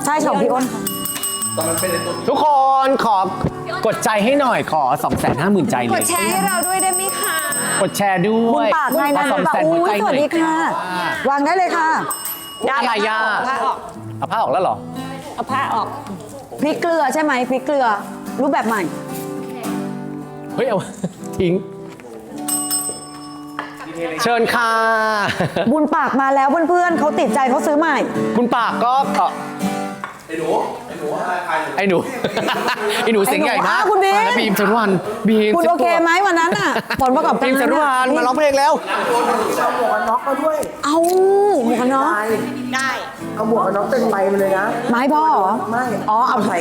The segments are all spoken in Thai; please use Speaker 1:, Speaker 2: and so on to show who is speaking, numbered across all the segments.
Speaker 1: ช่ของพี่อ้น
Speaker 2: ทุกคนขอกดใจให้หน่อยขอ 250,000 ใจเลย
Speaker 3: กดแชร์ให้เราด้วยได้ไหมคะ
Speaker 2: กดแชร์ด้
Speaker 1: บุ
Speaker 2: ว
Speaker 1: ญ
Speaker 2: ย
Speaker 1: ปากไงนะ
Speaker 2: ขอ
Speaker 1: บุญปาก
Speaker 2: 200,000
Speaker 1: อุ้
Speaker 2: หัวย ใจ
Speaker 1: ส
Speaker 2: หน่
Speaker 1: วั
Speaker 2: อ
Speaker 1: ส
Speaker 2: ย
Speaker 1: ดีค่ะ วางได้เลยค่ะ
Speaker 2: อะไรย่า
Speaker 3: ผ้าออก
Speaker 2: เอาผ้าออกแล้วเหรอ
Speaker 3: เอาผ้าออก
Speaker 1: พริกเกลือใช่ไหมพริกเกลือ รูปแบบใหม่
Speaker 2: เฮ้ยเอา ทิ้ง เชิญค่ะ
Speaker 1: บุญปากมาแล้วเพื่อนๆเขาติดใจเขาซื้อใหม่
Speaker 2: คุณปากก็ไอ้หนู ไอ้หนูเสียงใหญ่มาก
Speaker 1: อ้าวคุณบีม
Speaker 2: มาแล้วบีมจรวันบีม
Speaker 1: คุณโอเคไหมวันนั้นอ่ะผลประกอบการ
Speaker 2: บีมจรวันมาร้องเพลงแล้ว
Speaker 1: เอาหมวกกันน็อก
Speaker 3: ได้
Speaker 4: เอาหมวกกันน็อกเต็มใบมาเลยนะ
Speaker 1: ไม้พ่อเหรอ
Speaker 4: ไม่
Speaker 1: อ๋อเอาใส่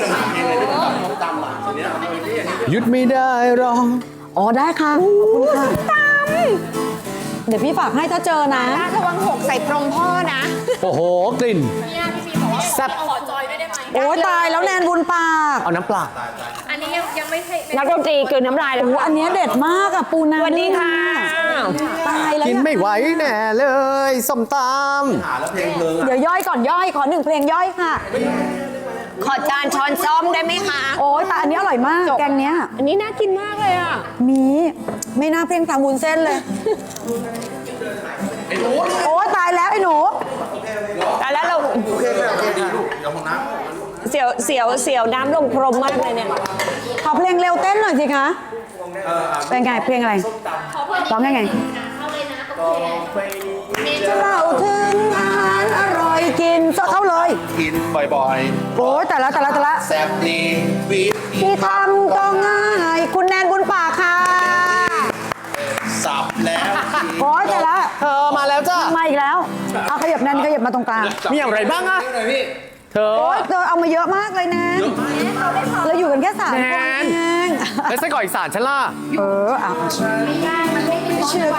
Speaker 2: หยุดไม่ได้หรอก
Speaker 1: อ๋อได้ค่ะขอบคุณค่ะเดี๋ยวพี่ฝากให้ถ้าเจอนะ
Speaker 3: ระวังหกใส่พรมพ่อนะ
Speaker 2: โอ้โห กลิ่นแซ่บ
Speaker 1: โอ้ยตายแล้วแนนบุญปาก
Speaker 2: เอาน้ำปลา
Speaker 5: อันนี้ยังไม่ใช่
Speaker 3: นักดนตรีกลืนน้ำลายแล้ว
Speaker 1: โอ้อันเนี้ยเด็ดมากอะปูนา
Speaker 3: สวัสดีค่ะ
Speaker 1: ตายแล้ว
Speaker 2: กิน
Speaker 1: เนี่ย
Speaker 2: ไม่ไหวแน่เลยส้มต
Speaker 1: เดี๋ยวย่อยก่อนย่อยขอ1เพลงย่อยค่ะ
Speaker 3: ขอจานช้อนซ้อมได้ไหมคะ
Speaker 1: โอ้ยแต่อันนี้อร่อยมากแกงเนี้ย
Speaker 3: อันนี้น่ากินมากเลยอ่ะ
Speaker 1: มีไม่น่าเพ่งตามวุ้นเส้นเลยโอ้ยตายแล้วไอ้หนู
Speaker 3: แต่แล้วเราเสียวน้ำลงพรมมากเลยเนี่ย
Speaker 1: ขอเพลงเร็วเต้นหน่อยสิคะเป็นไงเพลงอะไรร้องยังไงจะเล่าถึงอาหารอร่อยกินเข้าเลย
Speaker 6: กินบ่อย
Speaker 1: โอ้ยแต่ละ
Speaker 6: ๆ แซ่บดีวิต
Speaker 1: ที่ทำก็ง่ายคุณแนนบุญปากค่ะ
Speaker 6: สับแล้ว
Speaker 1: โอ้ยแต่ละ
Speaker 2: ำเธอมาแล้วจ้า
Speaker 1: มาอีกแล้วเอาขยับแนนขยับมาตรงกลาง
Speaker 2: มีอะไรบ้างอะเธอ
Speaker 1: โอ้ยเธอเอามาเยอะมากเลยแนนเราอยู่กันแค่3 คน
Speaker 2: แนน
Speaker 1: เอง
Speaker 2: แล้วไส้กรอกอีสานฉันล่ะ
Speaker 1: เอา
Speaker 2: เชื่อ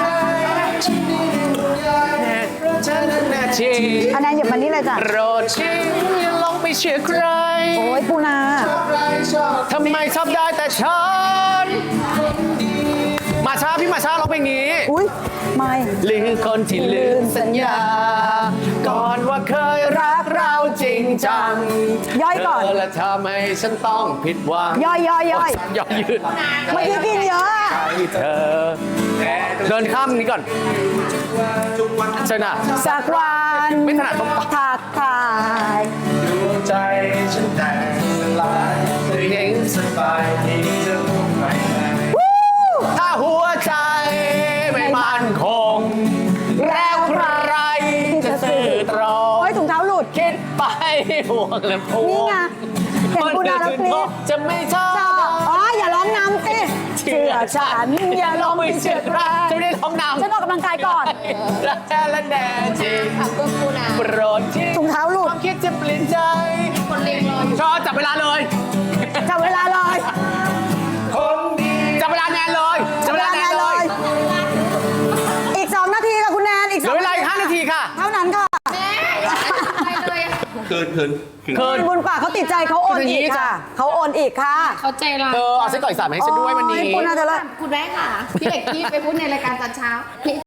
Speaker 2: ฉันแน่จริง
Speaker 1: อันแนนหยิบมานี่เลยจ้ะ
Speaker 2: โปรดชิงอย่าลองไปเชื่อใคร
Speaker 1: โอ้ยปูนา
Speaker 2: ทำไมชอบได้แต่ฉันมาช้าพี่มาช้าร้องเพลงนี้
Speaker 1: อุ้ยไม่
Speaker 2: ลืมคนที่ลืมสัญญา ก่อนว่าเคยรักเราจริงจัง
Speaker 1: ย่อยก่อน
Speaker 2: เธอและทำให้ฉันต้องผิดหวัง
Speaker 1: ย่อย
Speaker 2: ย่อยยืด
Speaker 1: เมื่อกี้กินเยอะอะ
Speaker 2: ให้เธอเดินข้ามนี้ก่อนเชิญอ่ะ
Speaker 1: สักวัน
Speaker 2: ไม่ถนัดตรงปาก
Speaker 1: ทักทาย
Speaker 6: ดวงใจฉันแตกสลายเธอยังสบายดีจะรู้ไหม
Speaker 2: ถ้าหัวใจไม่มั่นคง แล้วใครจะสื่อตร
Speaker 1: โอ้
Speaker 2: ง
Speaker 1: ยถุงเท้าหลุด
Speaker 2: คิดไปห่วงและพว
Speaker 1: นี่
Speaker 2: ง
Speaker 1: ไงเห็นปูนาแล้วกรี๊ด
Speaker 2: จะไม่ชอบ
Speaker 1: ชอบอะอ๋ออย่าร้องนำสิเชื่อฉันอย่าร้อง
Speaker 2: ไม่เชื่อใครจะไม่ได้ท้องนำ
Speaker 1: ฉันออกกำลังกายก่อน
Speaker 2: รักแท้และแน่จริง
Speaker 3: ขอบคุณปูนา
Speaker 2: โปรดที่
Speaker 1: ถุงเท้าหลุ
Speaker 2: ค
Speaker 1: ด
Speaker 2: วามคิดจะเปลี่ยนใจชอบจับเวลาเลย
Speaker 1: จับเวลาเลย
Speaker 6: คนดี
Speaker 2: จับเวลาแนนเลยจับเวลาแนนเลย
Speaker 1: อีก2 นาทีค่ะคุณแนนอีก
Speaker 2: เหลือเวลาอีก5 นาทีค่ะ
Speaker 1: เท่านั้นค่ะ
Speaker 6: คืน
Speaker 2: คืน
Speaker 1: บุญปากเขาติดใจเขาโอน
Speaker 2: คืออย่างนี้
Speaker 1: อีก
Speaker 2: จ้ะ
Speaker 1: ค่ะเขาโอนอีกค่ะ
Speaker 5: เขาใจร้าย
Speaker 2: เธอเอาไส้กรอกอีสานมาให้ฉันด้วยวันนี้
Speaker 1: โอ้ยปูนาเธอละ
Speaker 5: คุณแม่ค่ะ พี่เอกกี้ไปพูดในรายการตอนเช้า